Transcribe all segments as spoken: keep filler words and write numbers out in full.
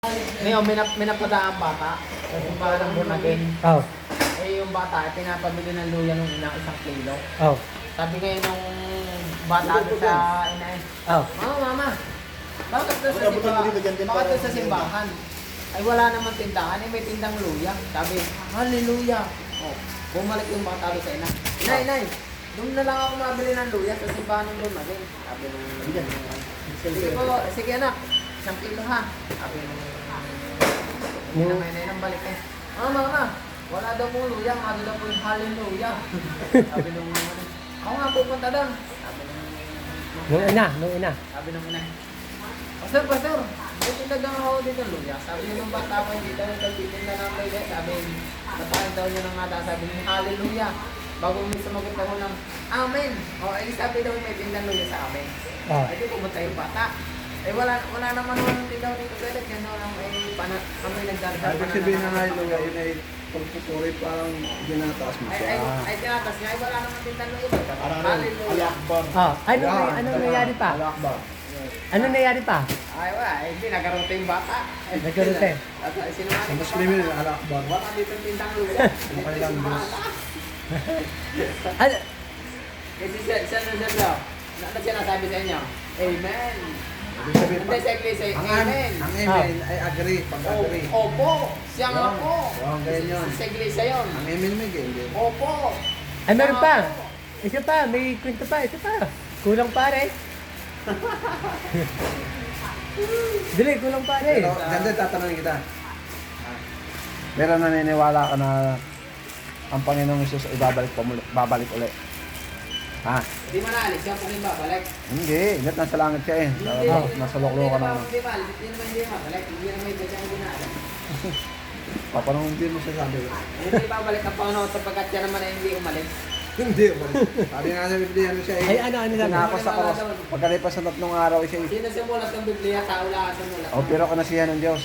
Ngayon, may, nap may napadaan bata. Yung parang bunagin. Oh. Eh, yung bata, pinapabili ng luya nung ina isang kilo. Oh. Sabi ngayon nung bata doon sa ina eh, Oh. Mama, mama, bakit doon sa simbahan? Bakit doon sa simbahan? Ay wala naman tindahan, eh may tindang luya. Sabi, hallelujah. Oh, bumalik yung bata doon sa ina. Inay, inay, doon na lang ako mabili ng luya sa simbahan ng doon natin. Sabi nung, sige po, sige anak, isang kilo ha. Sabi nung, hindi na may nang balik eh. Ah, mama, wala daw pong luya, ano daw po yung hallelujah. Sabi nung, ako nga pupunta doon. Sabi nung, Nung ina, nung ina. sabi nung ina, Pastor, pastor, may tindagang ako dito luya. Sabi nung bata ko dito, nagtitinda ng luya. Sabi, natakin daw niya ng ngata, sabi nung hallelujah. Bago may sumagot ako ng, amen. O, ay sabi daw may tindang luya sa amin. Oh. Ay, di pumunta yung bata. Eh, wala, wala naman naman tindaw dito. Kaya yan lang ay pana, kami nagdadal. Ibig sabihin na nga yung luya, yun ay pagpupuri parang ginataas mo Ay, siya. ay, ay, tinatas niya, ay wala naman tindang luya. Parang ano, Hallelujah. Al-Akbar. Oh. Ano, Yan, ano nangyari pa? Al-Akbar. Ano nangyari pa? Ay, wala. Eh, hindi, nagkarote yung bata. Ay, Nagkarote? At ay, Sa sinungaling yung Muslim yun, bata. Al-Akbar. Wala dito yung tindang luya. Okay lang, Diyos. Ano? Kasi siya, siya na siya daw. Ano siya nasabi sa inyo? Amen. Ibig sabihin, Hindi sa iglesia, ang amen. ang amen ay agree, O- pag-agree. Opo, siya nga Yun. po. Yun, ganyan yun. Sa iglesia yun. Ang amen may ganyan. Opo. Ay, meron Siya pa. nga po. Isa pa, may kwento pa, isa pa. Kulang pare. Dili, kulang pare. Pero, ganda, tatanungin kita. Pero naniniwala ka na ang Panginoong Isus ay babalik, pamuli, babalik ulit. Ha? Di mo naalis, siya po rin babalik. Hindi, ingat nasa langit siya eh. Hindi, Nasa, hindi nasa naman- loklo ka na. Hindi ba, hindi naman hindi babalik. Hindi naman hindi siya hindi naalis. Papanong hindi mo sasabi. Hindi babalik ang Panginoon sapagkat siya naman ay hindi umalis. Hindi, umalis. Sabi nga sa Biblia, ano siya eh. Ay, ano, ano sabi? Tinapos sa cross. Pagkalipas ng tatlong araw siya eh. Sino sumulat ng Biblia? Tao lahat sumulat. O, pero kanasihan ng Diyos.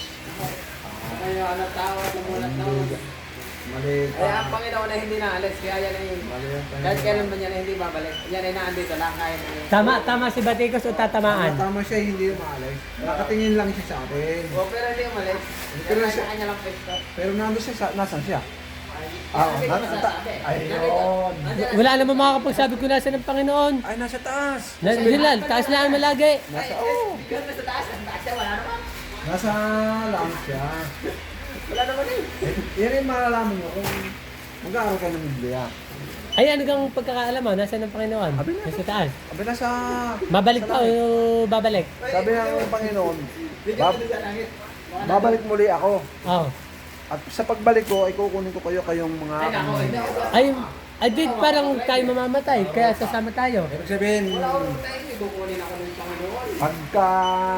Kayo, ano tao at sumulat na. Mali. Kaya ang Panginoon ay hindi naalis. Kaya yan ay Mali yung kahit kailan man yan ay hindi babalik. Yan ay naandito lang kahit Tama, tama si Batikos o tatamaan? Tama siya, hindi umalis. Nakatingin lang siya sa atin. O pero hindi umalis. Pero Pero siya- sa kanya lang pwesto. Pero nandun siya, sa, nasan siya? Ah, Ah, hindi ko nasa- masasabi. ayun. Nandito. Wala naman makakapagsabi ko nasa ng Panginoon. Ay, nasa taas. Nandiyan lang, taas lang malagi. Nasa, Ay, oh. yun, nasa taas. Nasa taas siya. Wala naman. Nasa langit siya. Wala naman eh. Eh, yan yung malalaman mo kung mag-aaral ka ng Biblia. Ay, ano kang pagkakaalam mo? Nasa ng Panginoon? Abi na. Nasa taas. Sabi na sa... Babalik sa pa langit. o babalik? Sabi ng Panginoon, Bigyan bab- mo din sa langit. Baka na- babalik muli ako. Oh. At sa pagbalik ko, ay kukunin ko kayo kayong mga... Ay, nako. Hindi ako. Ay, ay di parang tayo mamamatay, kaya sasama tayo. Ibig sabihin, Wala ako rin tayo. Hindi kukunin ako ng Panginoon. pagka...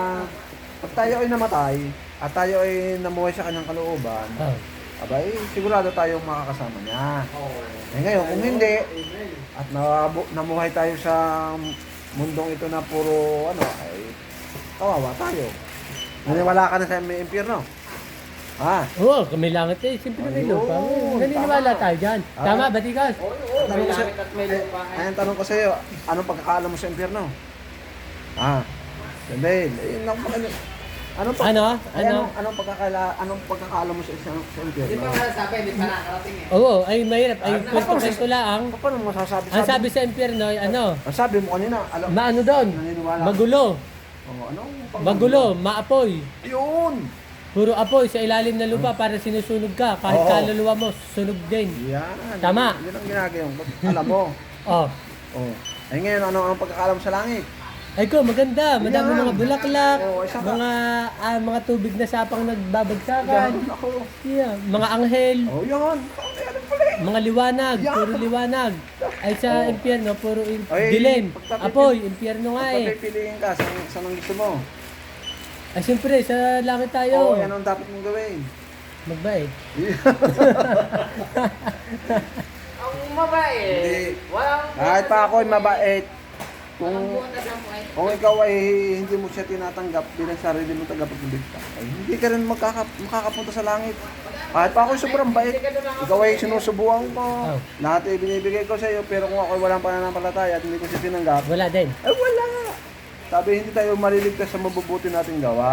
Pag tayo ay namatay, at tayo ay namuhay sa kanyang kalooban, Oh. abay, sigurado tayong makakasama niya. Oo. Eh ngayon, kung hindi, Amen. at nabu- namuhay tayo sa mundong ito na puro, ano, ay, kawawa tayo. Naniwala ka na sa may impyerno. Ha? Oo, kami langit eh. Siyempre may lupa. Ayun, Naniniwala tama. tayo dyan. Ah. Tama, Batikas? Oo, oo. May Tanong ko sa, langit at may ay, lupa. ay, ang tanong ko sa iyo, anong pagkakaalam mo sa impyerno? Ah, Dahil, eh, ano, ano, anong, pag- Ano? ay, Ano? anong, anong pagkakala, anong pagkakaalam mo sa isang sa Hindi impyerno? pa masasabi. Hindi pa nakarating eh. Oo, ay mahirap. Ay, Ah, kwento-kwento lang. Paano mo masasabi? Ang sabi sa impyerno ay ano, Ang sabi mo kanina, alam, maano doon? naniniwala. Magulo. Oh, anong pag- Magulo, maapoy. Yun! Puro apoy sa ilalim ng lupa para sinusunog ka. Kahit Oo. kaluluwa mo, sunog din. Yan. Tama. Yun ang ginagawa mo. Alam mo. Oh. Oh. Ay ngayon, ano ang pagkakaalam mo sa langit? Ay ko, maganda. Madami Yan. mga bulaklak, Oo, isa pa. mga ah, mga tubig na sapang nagbabagsakan. Yan, ako. Yeah, mga anghel, Oh, yan. Ay, alam pala eh. mga liwanag, Yan. puro liwanag. Ay sa impyerno, puro im- Ay, dilim. pagka- Apoy, impyerno nga Pag eh. pipiliin ka, saan, saan ang gusto mo? Ay siyempre, sa langit Oo, tayo. yan ang dapat mong gawin. Magbait. Ang mabait. Hindi. Walang... Kahit pa ako'y mabait, Kung... kung butas ang buhay. kung ikaw ay hindi mo siya tinatanggap bilang sarili mo tagapagligtas, ay hindi ka rin magkaka, makakapunta sa langit. Kahit pa ako'y sobrang bait, ikaw ay sinusubuan ko. Oh. Lahat ay binibigay ko sa iyo, pero kung ako'y walang pananampalataya at hindi ko siya tinanggap, Wala din. ay wala. Sabi, hindi tayo maliligtas sa mabubuti nating gawa.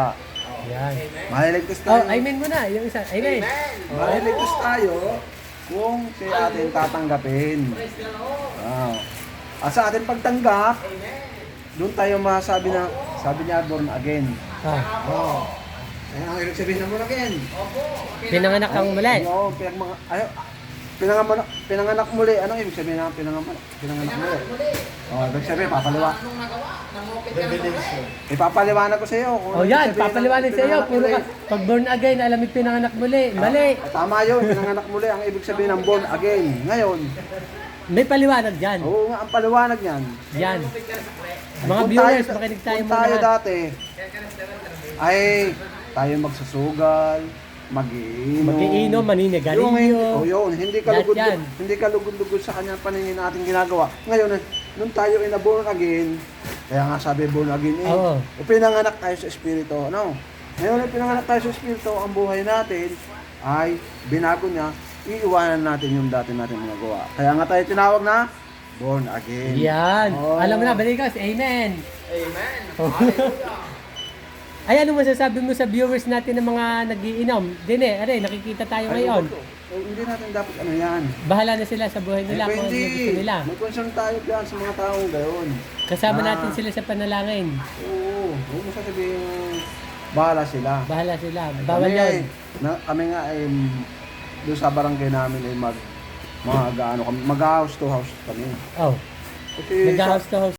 Yan. Maliligtas Oh, tayo. amen mo na. Yung isa. Amen. Maliligtas tayo kung si atin tatanggapin. Wow. At sa ating pagtanggap, doon tayo masasabi na, sabi niya, born again. Ah, Oo. Ayan ang ibig sabihin ng born again. pinanganak kang muli. Oo, pinag mga, ayo, pinanganak, pinanganak muli. Anong ibig sabihin ng pinanganak, pinanganak muli? Oo, ibig sabihin, papaliwa. Anong nagawa? Nang-open ka ng buhay. Ipapaliwanag ko sa iyo. kung Oh, ano ibig yan. sabihin ng Papaliwanag sa iyo. pinanganak Puro ka. muli. Pag born again, alam mo pinanganak muli. Mali. Ah, tama yun, pinanganak muli. Ang ibig sabihin ng born again. Ngayon, May paliwanag dyan. oo nga, ang paliwanag niyan. Yan. Mga Kung viewers, tayo- makinig tayo kung muna. tayo dati, ay tayo magsusugal, mag-iinom. Mag-iinom, Yung hindi, maninigarilyo. oh, yun, hindi ka Lahat lugod, yan. hindi ka lugod-lugod sa kanyang paningin natin ginagawa. Ngayon, eh, nung tayo ay na-born again, kaya nga sabi born again eh, Oo. eh, pinanganak tayo sa Espiritu, ano? Ngayon, eh, pinanganak tayo sa Espiritu, ang buhay natin ay binago niya, iiwanan natin yung dati natin mga gawa. Kaya nga tayo tinawag na born again. Yan. Oo. Alam mo na, balikas. Amen. Amen. Oh. Hallelujah. Ay, ano masasabi mo sa viewers natin ng mga nagiinom? Dine, aray, nakikita tayo Ay, ngayon. oh, hindi natin dapat ano yan. Bahala na sila sa buhay nila Eh, kung ano hindi. gusto nila. May concern tayo dyan sa mga taong gayon. Kasama Na- natin sila sa panalangin. Oo, huwag mo sasabihin, bahala sila. Bahala sila. Bawal kami, yan. Na, kami nga ay doon sa barangay namin ay mag mga gaano kami, mag house to house kami. Oh, Kasi sa- nag-house to house